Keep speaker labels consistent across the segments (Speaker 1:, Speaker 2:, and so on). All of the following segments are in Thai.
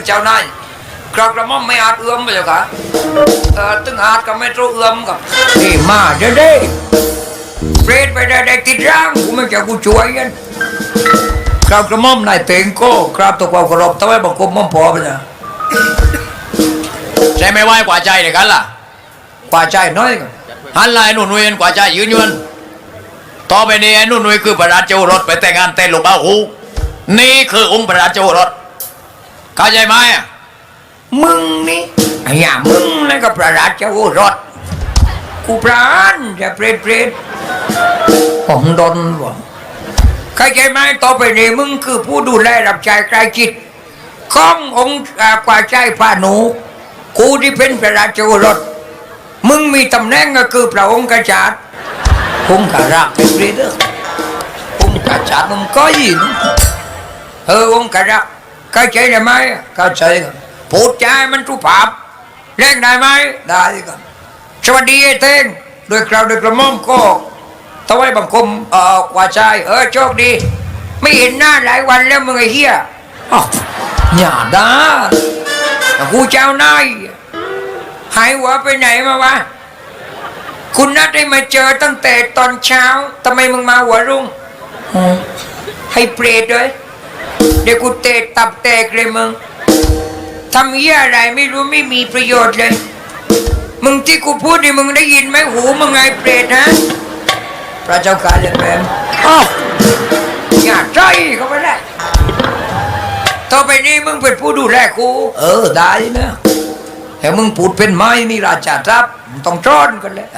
Speaker 1: เจ้านายกระม่อมไม่อาจเอื้อมไปเลยค่ะตึงอาจก็ไม่รู้เอื้อมกับนี่มาเด้เปรตไปได้ติดร่างกูไม่แกกูช่วยกันกระม่อมนายเต็งโก้ครับตัวความเคารพทำไมบังคับม่อมพอไปเนี่ยใจไม่ไหวกว่าใจเลยกันล่ะกว่าใจน้อยหันไล่หนุ่นเวียนกว่าใจยืนยวนต่อไปนี้ไอ้หนุ่นเวียนคือพระราชโอรสไปแต่งงานเต้นลูกบ้าหูนี่คือองค์พระราชโอรสเข้าใจไหมมึงนี่ไอ้ย่ามึงนั่นก็พระราชโอรสกูพรานจะเปรตผมโดนบ่เข้าใจไหมต่อไปนี้มึงคือผู้ดูแลรับใช้ใกล้จิตขององค์กว่าใจพานุกูที่เป็นพระราชโอรสมึงมีตำแหน่งก็คือพระองค์กษัตริย์องค์กษัตริย์เป็นเรื่ององค์กษัตริย์มึงก็ยินองค์กษัตริย์เข้าใจได้ไหมเข้าใจครับพูดใจมันสุภาพเล่นได้ไหมได้ครับสวัสดีไอ้เต้งโดยกล่าวโดยกระหม่อมก็ถวายบังคมกว่าใจโชคดีไม่เห็นหน้าหลายวันแล้วมึงไอ้เหี้ยอย่าด่ากูเจ้านายหายหัวไปไหนมาวะคุณนัดได้มาเจอตั้งแต่ตอนเช้าทำไมมึงมาหัวรุ่งให้เปรตเลยเดี๋ยวกูเตะตับแตกเลยมึงทำเหี้ยอะไรไม่รู้ไม่มีประโยชน์เลยมึงที่กูพูดนี่มึงได้ยินไหมหูมึงไงเปรตฮะพระเจ้าข้าเลยแม่อย่าใจเขาไปได้ต่อไปนี้มึงเป็นผู้ดูแลกูได้นะแต่มึงพูดเป็นไม้นี่ราชาทรัพย์ต้องจ้อนกันเลย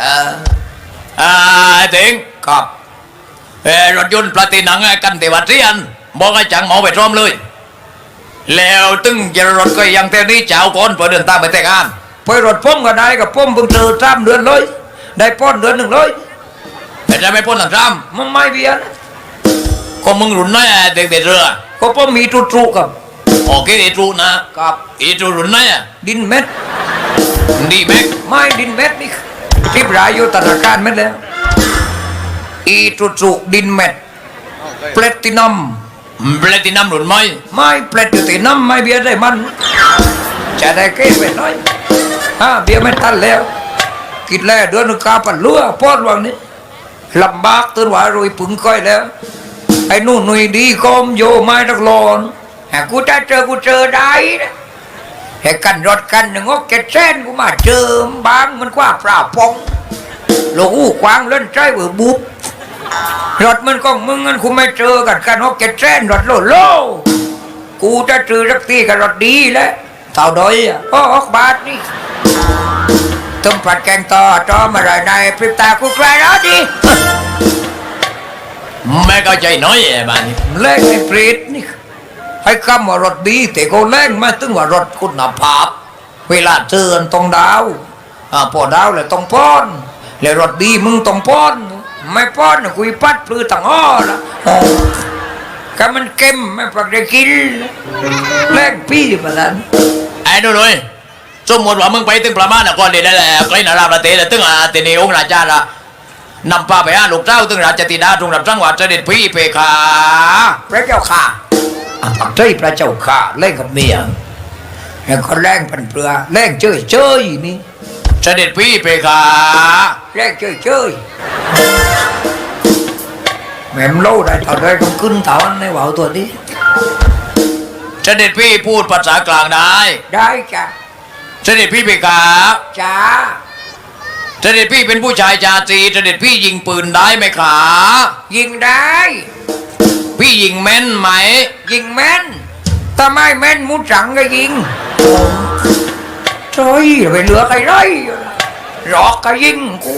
Speaker 1: ถึงครับรถยนต์ปลาตีหนังกันเทวัดเรียนบอกให้จังหมอไปพร้อมเลยแล้วตึงจะรถก็ยังเท่านี้เจ้าก่อนเพื่อเดินทางไปแต่งงานไปรถพ่มก็ได้กับพ่มเพิ่งเจอ3 เดือนเลยได้ป้อนเดือน 1เลยแต่จะไม่ป้อนหลัง3มึงไม่เบียนก็มึงหลุนน้อยเด็กเรือก็พ่มมีตรุกับโอเคอีตรุนะครับอีตรุหลุนน้อยดินเม็ดดีเม็ดไม่ดินเม็ดนี่ที่รายอยู่ธนาคารเม็ดแล้วอีตรุดินเม็ดแพลตินัมหลุนไม่แพลตินัมไม่เบียร์ได้มันจะได้เก็บไปน้อยเบียร์ไม่ทันแล้วกินแล้วเดือนนึงกาปั่นลัวปอดวังนี้ลำบากตื่นว่าโรยปึงก้อยแล้วไอ้นู่นหนุ่ยดีกอมโยไม่ตักหลอนกูจะเจอกูเจอได้นะไอ้กันรถกันหนึ่งก็เก็ดเส้นกูมาเจอบางมันกว่าปลาปองโลกูควางเล่นใจเบื่อบุบรถมันก็มึงงั้นกูไม่เจอกันฮอกเก็ตเส้นรถโลกูจะเจอสักทีกับรถดีแล้วเท่าดอย6 บาทนี่ต้มผัดแกงต่อจอมาเลยในพริบตากูใครแล้วดิไม่เข้าใจน้อยบ้านนี้เล่นไอ้ปรีดนี่ให้คำว่ารถดีแต่ก็เล่นมาถึงว่ารถคุณภาพเวลาเจอต้องดาวพอดาวเลยต้องป้อนแล้วรถดีมึงต้องป้อนไม่ป้อนคุยปัดปลือต่างอ้อละก็มันเค็มไม่ปักได้กินแรงพี่ประธานไอ้ดูเลยสมมติว่ามึงไปถึงประมาณก่อนเดี๋ยวได้แหละใกล้นาราประเทศถึงตีนีองค์ราชาละนำพาไปลูกเจ้าถึงราชธิดาตรงรับจังหวัดเสด็จพี่เพคาพระเจ้าข่าปักใจพระเจ้าข่าเล่นกับเมียแล้วก็แรงพันเปลือแรงเชยนี่เสด็จพี่เพคาแรงเชยแม่มโลได้ตอนได้ต้องขึ้นเถาในว่าวตัวนี้เสด็จพี่พูดภาษากลางได้จ้ะเสด็จพี่เพคาจ้าเสด็จพี่เป็นผู้ชายชาตรีเสด็จพี่ยิงปืนได้ไหมขายิงได้พี่ยิงแม่นไหมยิงแม่นถ้าไม่แม่นมุดสังก็ยิงโอ้ยไปเหลือใครเลยหลอกก็ยิงกู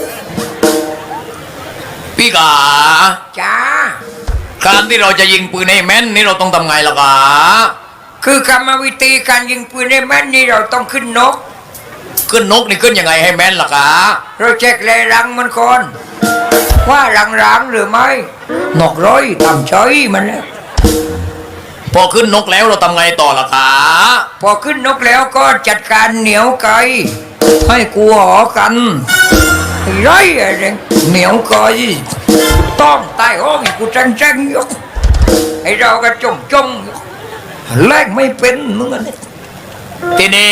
Speaker 1: พี่กาจ้าการที่เราจะยิงปืนให้แม่นนี่เราต้องทำไงล่ะกาคือกรรมวิธีการยิงปืนให้แม่นนี่เราต้องขึ้นนกนี่ขึ้นยังไงให้แม่นล่ะกาเราเช็คแรงรังมันก่อนว่ารังหรือไม่นกร้อยทำเฉยมันแล้วพอขึ้นนกแล้วเราทำไงต่อล่ะกาพอขึ้นนกแล้วก็จัดการเหนียวไก่ให้กูหอกันไรอะไรเหนียวไก่ต้องตายห้องกูจังยกให้เราก็จงแรงไม่เป็นมึงอันนี้ทีนี้